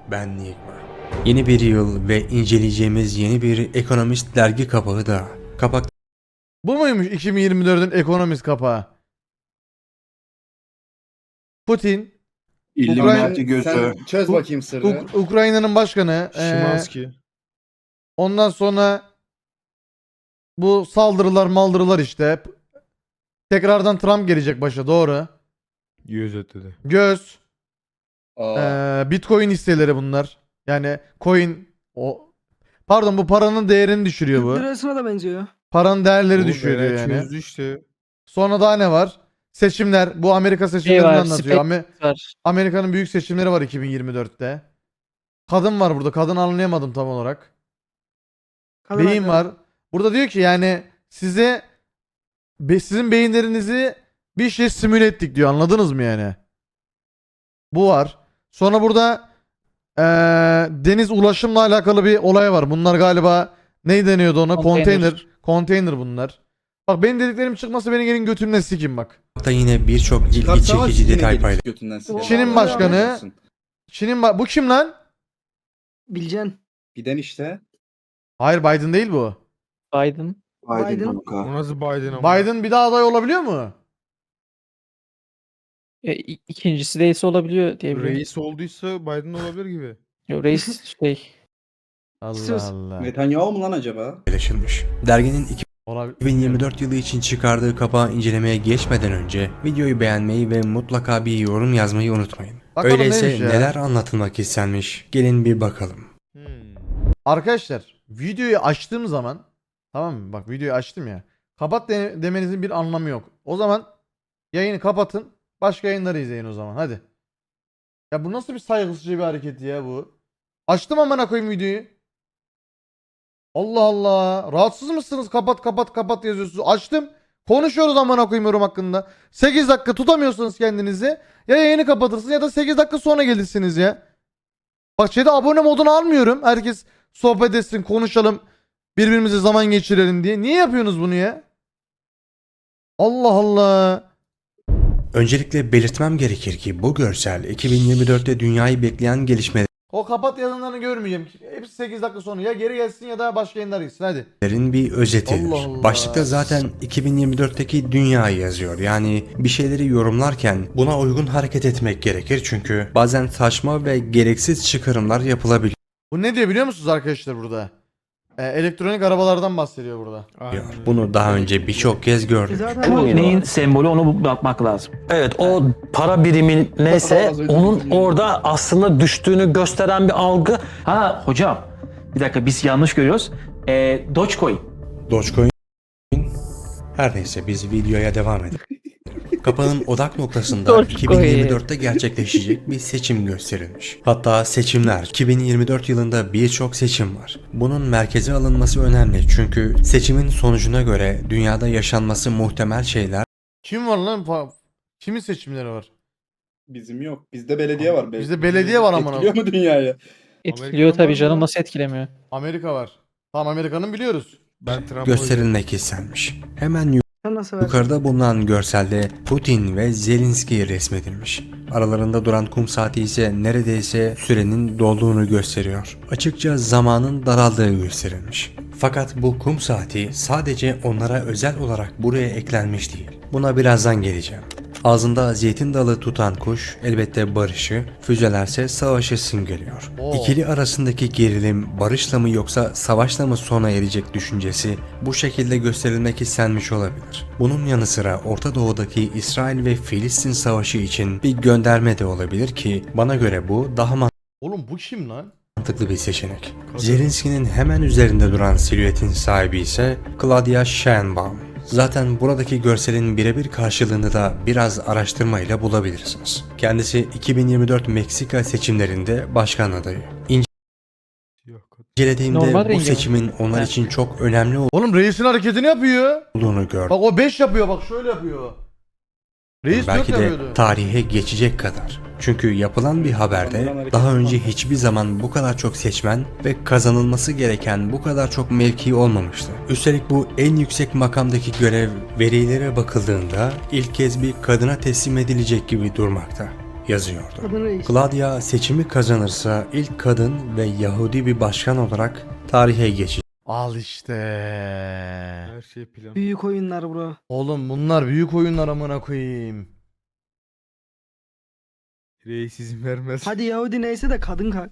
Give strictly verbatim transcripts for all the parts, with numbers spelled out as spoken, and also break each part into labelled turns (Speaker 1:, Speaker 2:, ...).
Speaker 1: Ben Nigma. Yeni bir yıl ve inceleyeceğimiz yeni bir ekonomist dergi kapağı da. Kapak
Speaker 2: Bu muymuş iki bin yirmi dördün ekonomist kapağı? Putin,
Speaker 3: İlluminati
Speaker 4: Sen,
Speaker 3: gözü.
Speaker 4: sen çöz
Speaker 2: U-
Speaker 4: bakayım sırrı.
Speaker 2: Uk- Ukrayna'nın başkanı. eee,
Speaker 5: Şimanski.
Speaker 2: ondan sonra bu saldırılar maldırılar işte. Tekrardan Trump gelecek başa, doğru.
Speaker 5: Yüz ötedi.
Speaker 2: Göz.
Speaker 4: Aa,
Speaker 2: eee, Bitcoin hisseleri bunlar. Yani coin o pardon bu paranın değerini düşürüyor bu.
Speaker 6: Lirasına da benziyor.
Speaker 2: Paranın değerleri
Speaker 5: Oğlum,
Speaker 2: düşüyor diyor
Speaker 5: Eren
Speaker 2: yani.
Speaker 5: çözdü işte.
Speaker 2: Sonra daha ne var? Seçimler. Bu Amerika seçimlerini
Speaker 7: var,
Speaker 2: anlatıyor.
Speaker 7: spek-
Speaker 2: Ame-
Speaker 7: var.
Speaker 2: Amerika'nın büyük seçimleri var iki bin yirmi dörtte. Kadın var burada. Kadın anlayamadım tam olarak.
Speaker 6: Kadın
Speaker 2: Beyin
Speaker 6: hakları.
Speaker 2: var. Burada diyor ki yani size be- sizin beyinlerinizi bir şey simüle ettik diyor. Anladınız mı yani? Bu var. Sonra burada eee, deniz ulaşımla alakalı bir olay var. Bunlar galiba ne deniyordu ona?
Speaker 7: Konteyner.
Speaker 2: Konteyner. Konteyner bunlar. Bak benim dediklerim çıkması beni gelin götümden sikin bak.
Speaker 1: da yine birçok ilgi
Speaker 4: çıkartsana
Speaker 1: çekici
Speaker 4: yine
Speaker 1: detay
Speaker 4: gelip
Speaker 1: paylaşıyor.
Speaker 4: götünden sikerim.
Speaker 2: Çin'in
Speaker 4: Allah
Speaker 2: başkanı-
Speaker 4: razı olsun.
Speaker 2: Çin'in ba- bu kim lan?
Speaker 6: Bileceksin.
Speaker 4: Giden işte.
Speaker 2: Hayır Biden değil bu.
Speaker 7: Biden.
Speaker 3: Biden
Speaker 6: Biden.
Speaker 3: kanka.
Speaker 5: O nasıl Biden ama?
Speaker 2: Biden bir daha aday olabiliyor mu?
Speaker 7: E, i- ikincisi değilse olabiliyor diye biliyorum.
Speaker 5: Reis olduysa Biden olabilir gibi.
Speaker 7: Yo, reis şey.
Speaker 2: Allah
Speaker 6: Söz.
Speaker 2: Allah.
Speaker 4: Netanyahu mu lan acaba?
Speaker 1: paylaşılmış. Derginin
Speaker 2: Olabilir.
Speaker 1: iki bin yirmi dört yılı için çıkardığı kapağı incelemeye geçmeden önce videoyu beğenmeyi ve mutlaka bir yorum yazmayı unutmayın.
Speaker 2: Bakalım
Speaker 1: Öyleyse
Speaker 2: neymiş ya?
Speaker 1: neler anlatılmak istenmiş? Gelin bir bakalım.
Speaker 5: Hmm.
Speaker 2: Arkadaşlar videoyu açtığım zaman, tamam mı? Bak videoyu açtım ya. Kapat de- demenizin bir anlamı yok. O zaman yayını kapatın. Başka yayınları izleyin o zaman. Hadi. Ya bu nasıl bir saygısızca bir hareket ya bu? Açtım amına koyayım videoyu. Allah Allah. Rahatsız mısınız? Kapat kapat kapat yazıyorsunuz. Açtım. Konuşuyoruz amına koyayım yorum hakkında. sekiz dakika tutamıyorsanız kendinizi ya yayını kapatırsınız ya da sekiz dakika sonra gelirsiniz ya. Bak chat'e abone modunu almıyorum. Herkes sohbet etsin, konuşalım, birbirimize zaman geçirelim diye. Niye yapıyorsunuz bunu ya? Allah Allah.
Speaker 1: Öncelikle belirtmem gerekir ki bu görsel iki bin yirmi dörtte dünyayı bekleyen gelişmelerin
Speaker 2: O kapat yazılarını görmeyeceğim. Hepsi sekiz dakika sonra ya geri gelsin ya da başka yayınlar gitsin hadi.
Speaker 1: bir özetidir.
Speaker 2: Allah Allah.
Speaker 1: Başlıkta zaten iki bin yirmi dörtteki dünyayı yazıyor. Yani bir şeyleri yorumlarken buna uygun hareket etmek gerekir çünkü bazen saçma ve gereksiz çıkarımlar yapılabiliyor.
Speaker 2: Bu ne diyor biliyor musunuz arkadaşlar burada? Ee, elektronik arabalardan bahsediyor burada.
Speaker 5: Aynen.
Speaker 1: Bunu daha önce birçok kez
Speaker 6: E
Speaker 1: gördük.
Speaker 6: zaten
Speaker 8: Bu
Speaker 6: var.
Speaker 8: neyin sembolü onu bakmak lazım. Evet, o para birimin neyse
Speaker 4: Az önce
Speaker 8: onun
Speaker 4: düşündüm.
Speaker 8: orada aslında düştüğünü gösteren bir algı. Ha hocam, bir dakika biz yanlış görüyoruz. Ee, Dogecoin.
Speaker 1: Dogecoin. Her neyse biz videoya devam edelim. Kapağın odak noktasında
Speaker 7: Dogecoin.
Speaker 1: iki bin yirmi dörtte gerçekleşecek bir seçim gösterilmiş. Hatta seçimler iki bin yirmi dört yılında birçok seçim var. Bunun merkeze alınması önemli çünkü seçimin sonucuna göre dünyada yaşanması muhtemel şeyler
Speaker 2: Kim var lan? Pa- Kimin seçimleri var?
Speaker 4: Bizim yok. Bizde belediye var. belki.
Speaker 2: Bizde belediye var amına.
Speaker 4: Etkiliyor mu dünyayı?
Speaker 7: Etkiliyor
Speaker 5: Amerika'nın var
Speaker 7: tabii
Speaker 5: mı
Speaker 7: canım,
Speaker 5: lan?
Speaker 7: nasıl etkilemiyor?
Speaker 2: Amerika var. Tamam Amerika'nın biliyoruz.
Speaker 5: Ben Trump'a
Speaker 1: gösterilmek istenmiş. Hemen
Speaker 6: Sen nasıl versin?
Speaker 1: yukarıda bulunan görselde Putin ve Zelenski resmedilmiş. Aralarında duran kum saati ise neredeyse sürenin dolduğunu gösteriyor. Açıkça zamanın daraldığı gösterilmiş. Fakat bu kum saati sadece onlara özel olarak buraya eklenmiş değil. Buna birazdan geleceğim. Ağzında zeytin dalı tutan kuş elbette barışı, füzelerse savaşı simgeliyor.
Speaker 2: Oo.
Speaker 1: İkili arasındaki gerilim barışla mı yoksa savaşla mı sona erecek düşüncesi bu şekilde gösterilmek istenmiş olabilir. Bunun yanı sıra Orta Doğu'daki İsrail ve Filistin savaşı için bir gönderme de olabilir ki bana göre bu daha
Speaker 2: Oğlum bu kim lan?
Speaker 1: mantıklı bir seçenek. Zelenski'nin hemen üzerinde duran silüetin sahibi ise Claudia Sheinbaum. Zaten buradaki görselin birebir karşılığını da biraz araştırmayla bulabilirsiniz. Kendisi iki bin yirmi dört Meksika seçimlerinde başkan adayı.
Speaker 5: Yok.
Speaker 1: İncelediğimde
Speaker 7: Normal
Speaker 1: bu
Speaker 7: rengi mi?
Speaker 1: seçimin onlar
Speaker 7: Ha.
Speaker 1: için çok önemli
Speaker 2: Oğlum reisin hareketini yapıyor.
Speaker 1: olduğunu gördüm.
Speaker 2: Bak o beş yapıyor bak şöyle yapıyor. Reis dört
Speaker 1: Belki de
Speaker 2: yapıyordu.
Speaker 1: tarihe geçecek kadar. Çünkü yapılan bir haberde daha önce hiçbir zaman bu kadar çok seçmen ve kazanılması gereken bu kadar çok mevki olmamıştı. Üstelik bu en yüksek makamdaki görev verilere bakıldığında ilk kez bir kadına teslim edilecek gibi durmakta. yazıyordu.
Speaker 6: Kadın reis.
Speaker 1: Claudia seçimi kazanırsa ilk kadın ve Yahudi bir başkan olarak tarihe geçecek.
Speaker 2: Al işte.
Speaker 5: Her şey plan.
Speaker 6: Büyük oyunlar bro.
Speaker 2: Oğlum bunlar büyük oyunlar amına koyayım.
Speaker 5: Reis izin vermez.
Speaker 6: Hadi Yahudi neyse de kadın kalk.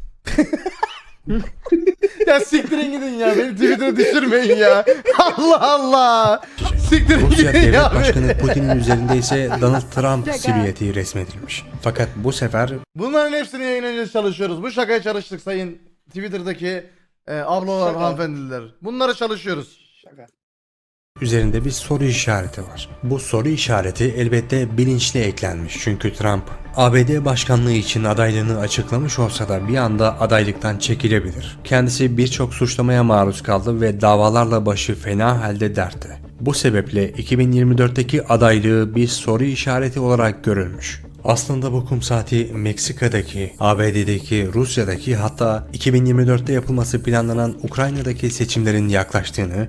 Speaker 2: Ya siktirin gidin ya. Beni Twitter'a düşürmeyin ya. Allah Allah. Siktirin
Speaker 1: Rusya
Speaker 2: gidin
Speaker 1: devlet
Speaker 2: ya.
Speaker 1: başkanı Putin'in üzerinde ise Donald Trump silüeti resmedilmiş. Fakat bu sefer
Speaker 2: Bunların hepsini yayınlayacağız, çalışıyoruz. Bu şakaya çalıştık sayın Twitter'daki e, ablalar,
Speaker 4: Şaka.
Speaker 2: hanımefendiler. Bunlara çalışıyoruz.
Speaker 4: Şaka.
Speaker 1: üzerinde bir soru işareti var. Bu soru işareti elbette bilinçli eklenmiş. Çünkü Trump A B D başkanlığı için adaylığını açıklamış olsa da bir anda adaylıktan çekilebilir. Kendisi birçok suçlamaya maruz kaldı ve davalarla başı fena halde dertte. Bu sebeple iki bin yirmi dörtteki adaylığı bir soru işareti olarak görülmüş. Aslında bu kum saati Meksika'daki, A B D'deki, Rusya'daki, hatta iki bin yirmi dörtte yapılması planlanan Ukrayna'daki seçimlerin yaklaştığını,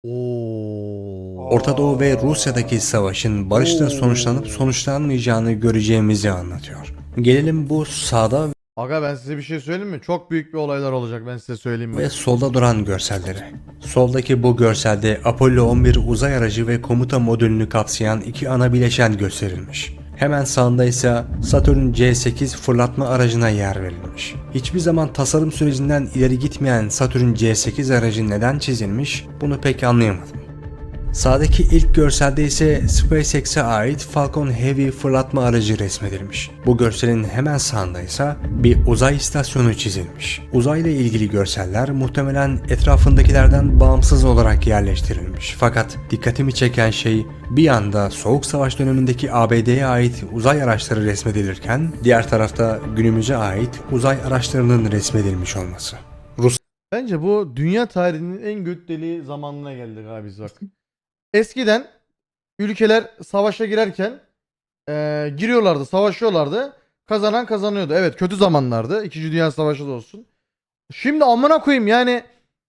Speaker 2: Oo.
Speaker 1: Orta Doğu ve Rusya'daki savaşın barışla sonuçlanıp sonuçlanmayacağını göreceğimizi anlatıyor. Gelelim bu sağda
Speaker 2: Aga ben size bir şey söyleyeyim mi? Çok büyük bir olaylar olacak, ben size söyleyeyim mi?
Speaker 1: ve solda duran görsellere. Soldaki bu görselde Apollo on bir uzay aracı ve komuta modülünü kapsayan iki ana bileşen gösterilmiş. Hemen sağında ise Saturn C sekiz fırlatma aracına yer verilmiş. Hiçbir zaman tasarım sürecinden ileri gitmeyen Saturn C sekiz aracı neden çizilmiş, bunu pek anlayamadım. Sağdaki ilk görselde ise SpaceX'e ait Falcon Heavy fırlatma aracı resmedilmiş. Bu görselin hemen sağında ise bir uzay istasyonu çizilmiş. Uzayla ilgili görseller muhtemelen etrafındakilerden bağımsız olarak yerleştirilmiş. Fakat dikkatimi çeken şey bir yanda Soğuk Savaş dönemindeki A B D'ye ait uzay araçları resmedilirken diğer tarafta günümüze ait uzay araçlarının resmedilmiş olması.
Speaker 2: Bence bu dünya tarihinin en göt deliği zamanına geldik abi biz bak. Eskiden ülkeler savaşa girerken eee, giriyorlardı, savaşıyorlardı. Kazanan kazanıyordu. Evet, kötü zamanlardı. İkinci Dünya Savaşı da olsun. Şimdi amına koyayım yani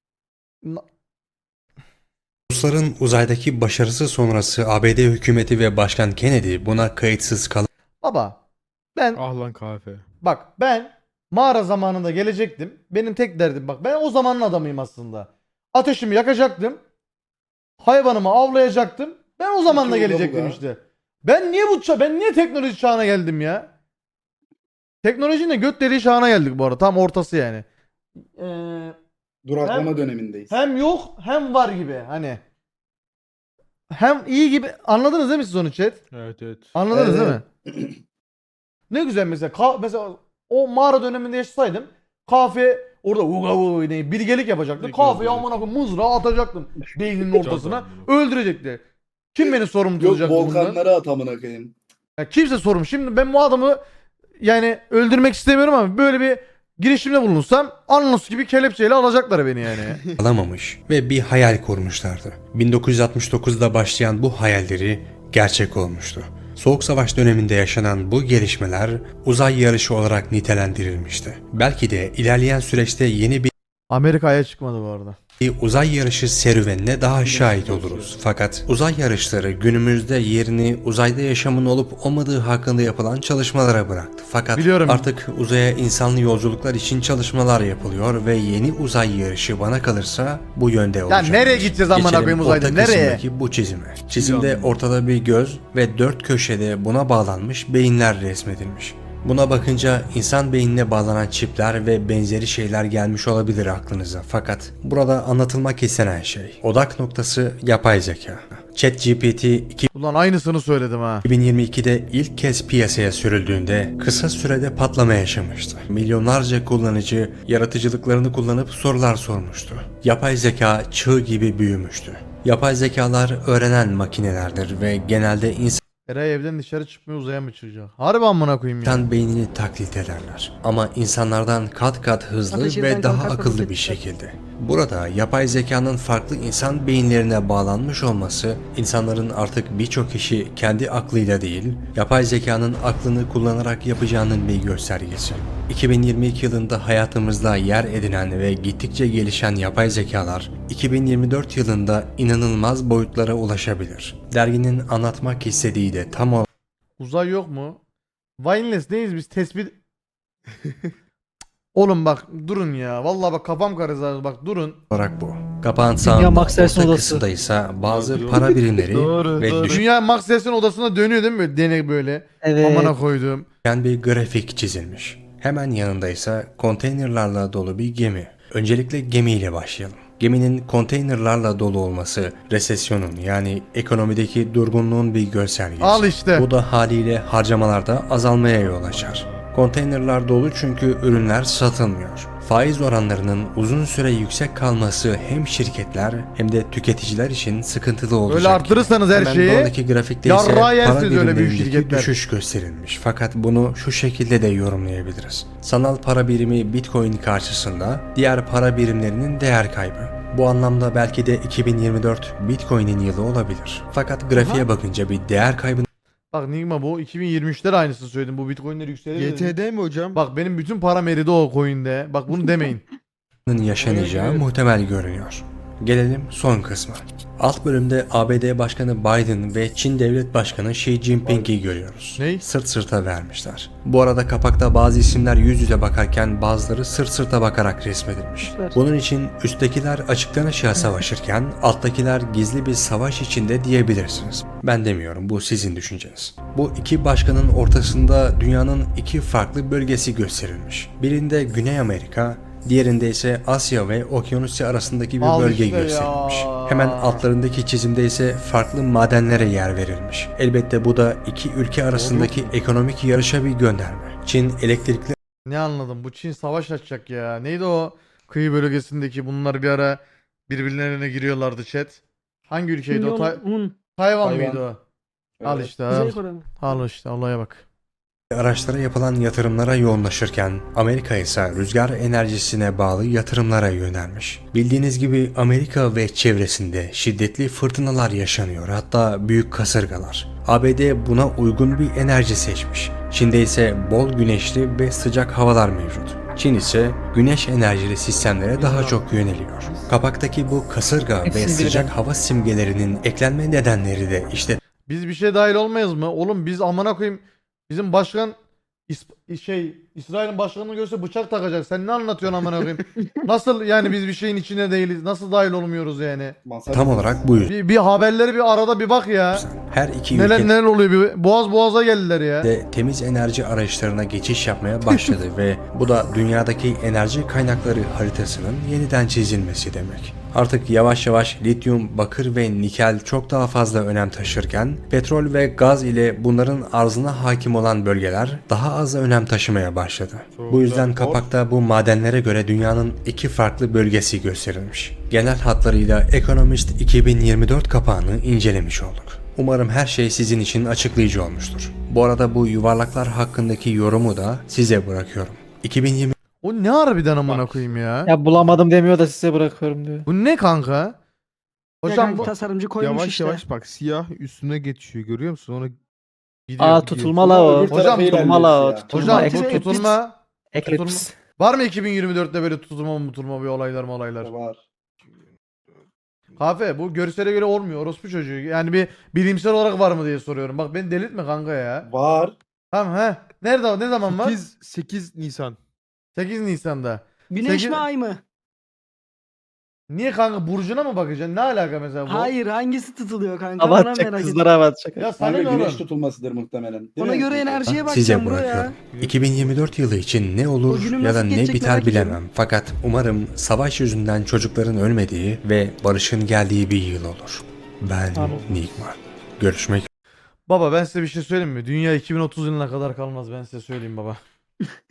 Speaker 1: Rusların uzaydaki başarısı sonrası A B D hükümeti ve Başkan Kennedy buna kayıtsız
Speaker 2: baba ben
Speaker 5: Ah lan kahve.
Speaker 2: bak ben mağara zamanında gelecektim. Benim tek derdim bak ben o zamanın adamıyım aslında. Ateşimi yakacaktım. Hayvanımı avlayacaktım. Ben o zamanla
Speaker 4: Peki, o da bu
Speaker 2: gelecektim
Speaker 4: da.
Speaker 2: işte. Ben niye bu ça ben niye teknoloji çağına geldim ya? Teknolojinin de göt deliği çağına geldik bu arada. Tam ortası yani. Ee,
Speaker 4: Duraklama
Speaker 2: Hem-
Speaker 4: dönemindeyiz.
Speaker 2: hem yok hem var gibi hani. Hem iyi gibi anladınız değil mi siz onu chat?
Speaker 5: Evet evet.
Speaker 2: Anladınız
Speaker 4: Evet,
Speaker 2: değil mi? Ne güzel mesela ka- mesela o mağara döneminde yaşasaydım kahve orada uga uga ne bilgelik yapacaktım.
Speaker 5: Ne
Speaker 2: Kahveyi
Speaker 5: güzel.
Speaker 2: amına koyayım mızrağı atacaktım beyninin ortasına. Öldürecekti. Kim beni sorumlu
Speaker 4: Yok
Speaker 2: tutacaktı bundan?
Speaker 4: volkanlara at amına koyayım.
Speaker 2: Ya kimse sorumlu. Şimdi ben bu adamı yani öldürmek istemiyorum ama böyle bir girişimde bulunsam anons gibi kelepçeyle alacaklar beni yani.
Speaker 1: alamamış ve bir hayal kurmuşlardı. bin dokuz yüz altmış dokuzda başlayan bu hayalleri gerçek olmuştu. Soğuk Savaş döneminde yaşanan bu gelişmeler uzay yarışı olarak nitelendirilmişti. Belki de ilerleyen süreçte yeni bir
Speaker 2: Amerika'ya çıkmadı bu arada.
Speaker 1: uzay yarışı serüvenine daha şahit oluruz. Fakat uzay yarışları günümüzde yerini uzayda yaşamın olup olmadığı hakkında yapılan çalışmalara bıraktı. Fakat
Speaker 2: Biliyorum.
Speaker 1: artık uzaya insanlı yolculuklar için çalışmalar yapılıyor ve yeni uzay yarışı bana kalırsa bu yönde olacak.
Speaker 2: nereye gideceğiz amına
Speaker 1: Geçelim
Speaker 2: koyayım uzayda,
Speaker 1: orta
Speaker 2: nereye?
Speaker 1: kısımdaki bu çizime. Çizimde
Speaker 5: Yandım.
Speaker 1: ortada bir göz ve dört köşede buna bağlanmış beyinler resmedilmiş. Buna bakınca insan beynine bağlanan çipler ve benzeri şeyler gelmiş olabilir aklınıza. Fakat burada anlatılmak istenen şey, odak noktası yapay zeka. ChatGPT
Speaker 2: Ulan aynısını söyledim ha.
Speaker 1: iki bin yirmi ikide ilk kez piyasaya sürüldüğünde kısa sürede patlama yaşamıştı. Milyonlarca kullanıcı yaratıcılıklarını kullanıp sorular sormuştu. Yapay zeka çığ gibi büyümüştü. Yapay zekalar öğrenen makinelerdir ve genelde insan
Speaker 2: Eray evden dışarı çıkmıyor, uzaya mı çıkacak? Harbi amına koyayım ya.
Speaker 1: İnsan beynini taklit ederler. Ama insanlardan kat kat hızlı
Speaker 6: Ateş
Speaker 1: ve
Speaker 6: eden
Speaker 1: daha
Speaker 6: kalkar
Speaker 1: akıllı
Speaker 6: fırlatır.
Speaker 1: bir şekilde. Burada yapay zekanın farklı insan beyinlerine bağlanmış olması, insanların artık birçok işi kendi aklıyla değil, yapay zekanın aklını kullanarak yapacağının bir göstergesi. iki bin yirmi iki yılında hayatımızda yer edinen ve gittikçe gelişen yapay zekalar, iki bin yirmi dört yılında inanılmaz boyutlara ulaşabilir. Derginin anlatmak istediği de tam olarak
Speaker 2: Uzay yok mu? Wineless neyiz biz tespit... Oğlum bak durun ya. Vallahi bak kafam karıştı bak durun.
Speaker 1: olarak bu. Kapağın sağında
Speaker 7: Max Ersin
Speaker 1: orta
Speaker 7: odası.
Speaker 1: kısımda ise bazı
Speaker 5: Doğru.
Speaker 1: para birimleri
Speaker 5: Doğru,
Speaker 1: ve
Speaker 5: doğru.
Speaker 2: Dünya Max Ses'in odasına dönüyor değil mi böyle denek böyle.
Speaker 7: Evet.
Speaker 2: Amına koyduğum.
Speaker 1: düşen bir grafik çizilmiş. Hemen yanında ise konteynerlarla dolu bir gemi. Öncelikle gemiyle başlayalım. Geminin konteynerlarla dolu olması resesyonun yani ekonomideki durgunluğun bir göstergesi.
Speaker 2: Al işte.
Speaker 1: Bu da haliyle harcamalarda azalmaya yol açar. Konteynerlar dolu çünkü ürünler satılmıyor. Faiz oranlarının uzun süre yüksek kalması hem şirketler hem de tüketiciler için sıkıntılı olacak.
Speaker 2: Öyle arttırırsanız her
Speaker 1: Hemen
Speaker 2: şeyi,
Speaker 1: buradaki grafikte ise
Speaker 2: yarrağı
Speaker 1: para
Speaker 2: yersiniz öyle büyük
Speaker 1: birimlerindeki
Speaker 2: şirketler.
Speaker 1: düşüş gösterilmiş. Fakat bunu şu şekilde de yorumlayabiliriz. Sanal para birimi Bitcoin karşısında diğer para birimlerinin değer kaybı. Bu anlamda belki de iki bin yirmi dört Bitcoin'in yılı olabilir. Fakat grafiğe bakınca bir değer kaybının
Speaker 2: Bak Nigma bu iki bin yirmi üçte de aynısını söyledim. Bu Bitcoin'ler yükselir dedim.
Speaker 5: Y T D mi hocam?
Speaker 2: Bak benim bütün param eridi o coin'de. Bak bunu demeyin.
Speaker 1: yaşanacağı
Speaker 5: Evet.
Speaker 1: muhtemel görünüyor. Gelelim son kısma. Alt bölümde A B D Başkanı Biden ve Çin Devlet Başkanı Xi Jinping'i görüyoruz.
Speaker 2: Ney?
Speaker 1: Sırt sırta vermişler. Bu arada kapakta bazı isimler yüz yüze bakarken bazıları sırt sırta bakarak resmedilmiş.
Speaker 7: Süper.
Speaker 1: Bunun için üsttekiler açıktan açığa savaşırken alttakiler gizli bir savaş içinde diyebilirsiniz. Ben demiyorum, bu sizin düşünceniz. Bu iki başkanın ortasında dünyanın iki farklı bölgesi gösterilmiş. Birinde Güney Amerika, diğerinde ise Asya ve Okyanusya arasındaki bir
Speaker 2: Al
Speaker 1: bölge
Speaker 2: işte ya.
Speaker 1: gösterilmiş. Hemen altlarındaki çizimde ise farklı madenlere yer verilmiş. Elbette bu da iki ülke arasındaki ekonomik yarışa bir gönderme. Çin elektrikli
Speaker 2: Ne anladım? Bu Çin savaş açacak ya. Neydi o kıyı bölgesindeki bunlar bir ara birbirlerine giriyorlardı chat. Hangi ülkeydi o? Tay-
Speaker 6: Un.
Speaker 2: Tayvan
Speaker 4: Tayvan.
Speaker 2: mıydı o? Al
Speaker 4: Evet.
Speaker 2: işte al.
Speaker 6: Kuzey Kore mi?
Speaker 2: Al işte olaya bak.
Speaker 1: araçlara yapılan yatırımlara yoğunlaşırken Amerika ise rüzgar enerjisine bağlı yatırımlara yönelmiş. Bildiğiniz gibi Amerika ve çevresinde şiddetli fırtınalar yaşanıyor, hatta büyük kasırgalar. A B D buna uygun bir enerji seçmiş. Çin'de ise bol güneşli ve sıcak havalar mevcut. Çin ise güneş enerjili sistemlere daha çok yöneliyor. Kapaktaki bu kasırga ve
Speaker 7: Hepsini
Speaker 1: sıcak
Speaker 7: birden.
Speaker 1: hava simgelerinin eklenme nedenleri de işte
Speaker 2: Biz bir şey dahil olmayız mı? Oğlum biz amına koyayım bizim başkan İs- şey İsrail'in başkanını görse bıçak takacak. Sen ne anlatıyorsun amına koyayım? Nasıl yani biz bir şeyin içine değiliz? Nasıl dahil olmuyoruz yani?
Speaker 4: Masaj
Speaker 1: tam
Speaker 4: yapıyoruz.
Speaker 1: olarak bu yüzden.
Speaker 2: Bir, bir haberleri bir arada bir bak ya.
Speaker 1: Her iki
Speaker 2: Neler
Speaker 1: ülke
Speaker 2: neler oluyor bir boğaz boğaza geldiler ya.
Speaker 1: de temiz enerji araçlarına geçiş yapmaya başladı ve bu da dünyadaki enerji kaynakları haritasının yeniden çizilmesi demek. Artık yavaş yavaş lityum, bakır ve nikel çok daha fazla önem taşırken petrol ve gaz ile bunların arzına hakim olan bölgeler daha az önem taşımaya başladı. Bu yüzden kapakta bu madenlere göre dünyanın iki farklı bölgesi gösterilmiş. Genel hatlarıyla Economist iki bin yirmi dört kapağını incelemiş olduk. Umarım her şey sizin için açıklayıcı olmuştur. Bu arada bu yuvarlaklar hakkındaki yorumu da size bırakıyorum. iki bin yirmi
Speaker 2: O ne harbiden amına koyayım ya?
Speaker 7: Ya bulamadım demiyor da size bırakıyorum diyor.
Speaker 2: Bu ne kanka? Hocam
Speaker 6: Hocam
Speaker 2: bu
Speaker 6: tasarımcı koymuş
Speaker 5: Yavaş
Speaker 6: işte.
Speaker 5: yavaş bak, siyah üstüne geçiyor, görüyor musun? Ona
Speaker 2: gidiyor.
Speaker 7: Aa
Speaker 2: gidiyor.
Speaker 7: tutulma la o.
Speaker 4: Öbür tarafa
Speaker 2: Hocam,
Speaker 7: tutulma la o.
Speaker 4: ilerliyoruz ya.
Speaker 7: Tutulma.
Speaker 2: Hocam bu
Speaker 7: Eclipse.
Speaker 2: tutulma
Speaker 7: Eclipse.
Speaker 2: var mı iki bin yirmi dörtte böyle tutulma mı tutulma bir olaylar mı olaylar?
Speaker 4: Var.
Speaker 2: Kafe bu görsele göre olmuyor orospu çocuğu. Yani bir bilimsel olarak var mı diye soruyorum. Bak beni delirtme kanka ya.
Speaker 4: Var.
Speaker 2: Tamam he. Nerede ne zaman var?
Speaker 5: sekiz, sekiz Nisan.
Speaker 2: sekiz Nisan'da.
Speaker 6: Güneş
Speaker 2: Sekiz-
Speaker 6: mi ay mı?
Speaker 2: Niye kanka burcuna mı bakacaksın? Ne alaka mesela bu?
Speaker 6: Hayır hangisi tutuluyor kanka?
Speaker 7: Hava
Speaker 6: Bana
Speaker 7: atacak,
Speaker 6: merak ettim.
Speaker 7: kızlara hava atacak.
Speaker 2: Ya sana
Speaker 4: Kanka
Speaker 2: ne
Speaker 4: güneş
Speaker 2: oğlum?
Speaker 4: tutulmasıdır muhtemelen. Değil
Speaker 6: Ona
Speaker 4: mi?
Speaker 6: göre enerjiye
Speaker 1: Ah, size
Speaker 6: bakacağım bro ya.
Speaker 1: bırakıyorum. iki bin yirmi dört yılı için ne olur
Speaker 6: O günüm
Speaker 1: ya da
Speaker 6: nasıl
Speaker 1: ne
Speaker 6: geçecek
Speaker 1: biter
Speaker 6: merak ediyorum.
Speaker 1: bilemem. Fakat umarım savaş yüzünden çocukların ölmediği ve barışın geldiği bir yıl olur. Ben
Speaker 7: Amin.
Speaker 1: Nigma. Görüşmek
Speaker 2: Baba ben size bir şey söyleyeyim mi? Dünya iki bin otuz yılına kadar kalmaz ben size söyleyeyim baba.